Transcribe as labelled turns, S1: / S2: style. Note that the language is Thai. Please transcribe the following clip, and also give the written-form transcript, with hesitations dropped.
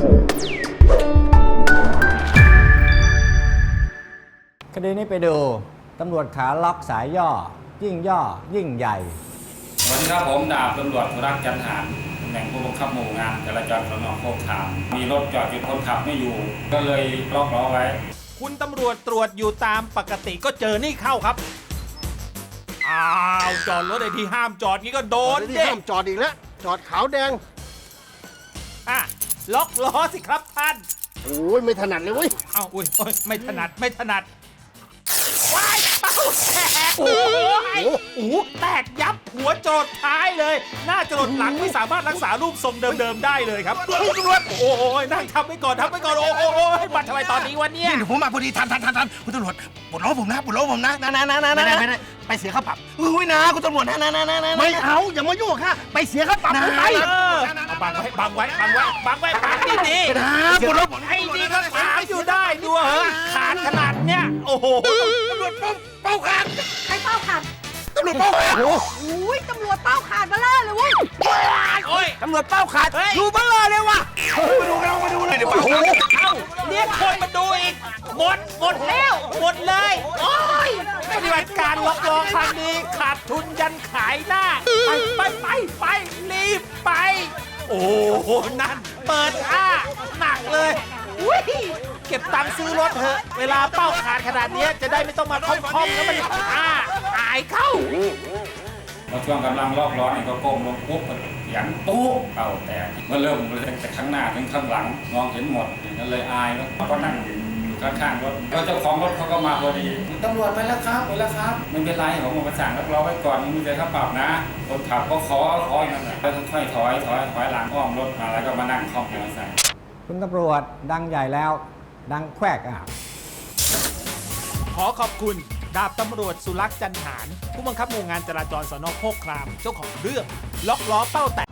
S1: คดีนี้ไปดูตำรวจขาล็อกสายย่อ ยิ่งย่อ ยิ่งใหญ่
S2: สวัสดีครับผมดาบตำรวจสุรักษ์จันหารตำแหน่งผู้บังคับหมู่งานจราจรสน.โคกขามมีรถจอดอยู่คนขับไม่อยู่ ก็เลยล็อกล้อไว้
S3: คุณตำรวจตรวจอยู่ตามปกติก็เจอนี่เข้าครับอ้าวจอดรถในที่ห้ามจอดงี้ก็โดน
S4: ที่
S3: เด็
S4: ห้ามจอดอีกแล้วจอดขาวแดง
S3: อ่ะล็อกล้อสิครับท่าน
S4: โอ้ยไม่ถนัดเลยเว้ย
S3: เอ้าอุ้ยโอ้ยไม่ถนัดไม่ถนัดว้ายเป้าแตกโอ้ยโอ้โหแตกยับหัวโจดท้ายเลย หน้าจรดหลังไม่สามารถรักษารูปทรงเดิมๆได้เลยครับตำรวจโอ้ยนั่งทำไปก่อนโอ้ยมาทำไมตอนนี้วะเนี่ย
S5: ผมมาพอดีทันคุณตำรวจปลดล้อผมนะไม่ได้ไปเสียค่าปรับอุ้ยนะคุณตำรวจนะ
S4: ไม่เอาอย่ามายุ่งค่ะไปเสียค่าปรับไป
S3: เอาบังไว้ดี
S5: นะปลดล้อผม
S3: ๆไอ้นี่ก็ถามอยู่ได้ดูเหรอขาดขนาดเนี้ยโอ้โห
S5: ตำรวจเป้าขาด
S6: ใครเป้าขาด
S5: ตำรวจเป้าขาด
S6: อุ้ยตำรวจเป้าขาดมาล่าเลยเว้ย
S3: โอ้ย
S5: ตำรวจเป้าขาดดูเบลอเลยว่ะมาดูเลยเดี๋ยว
S3: เอ้าเรียกคนมาดูอีกหมดแล้วหมดเลยโอ้ยปฏิบัติการล็อกล้อครั้งนี้ขาดทุนยันขายหน้าไปรีบไป โอ้โหนั่นเปิดหนักเลยอุ้ยเก็บตังค์ซื้อรถเถอะเวลาเป้าขาดขนาดนี้จะได้ไม่ต้องมาค่อมๆแล้วมันอายเข้า
S2: พอช่วงกำลังล็อกล้อเนี่ยก็ก้มลงปุ๊บก็เสียงตู้เป่าแตกเมื่อเริ่มเลยจากข้างหน้าถึงข้างหลังมองเห็นหมดก็เลยอายแล้วก็นั่งอยู่ข้างๆรถแล้วเจ้าของรถเขาก็มาพอดีตำรวจไปแล้วครับไม่เป็นไรผมมาสั่งล็อกล้อไว้ก่อนมึงจะค่าปรับนะคนขับก็ขออย่างนั้นแหละแล้วค่อยๆถอยหลังอ้อมรถมาแล้วก็มานั่งคล่อมมอเตอร์ไซค์
S1: คุณตำรวจดังใหญ่แล้ว ดังแควก
S3: ขอขอบคุณดาบตำรวจสุรักษ์จันหารผู้บังคับหมู่งานจราจรสน.โคกครามเจ้าของเรื่องล็อกล้อเป้าแต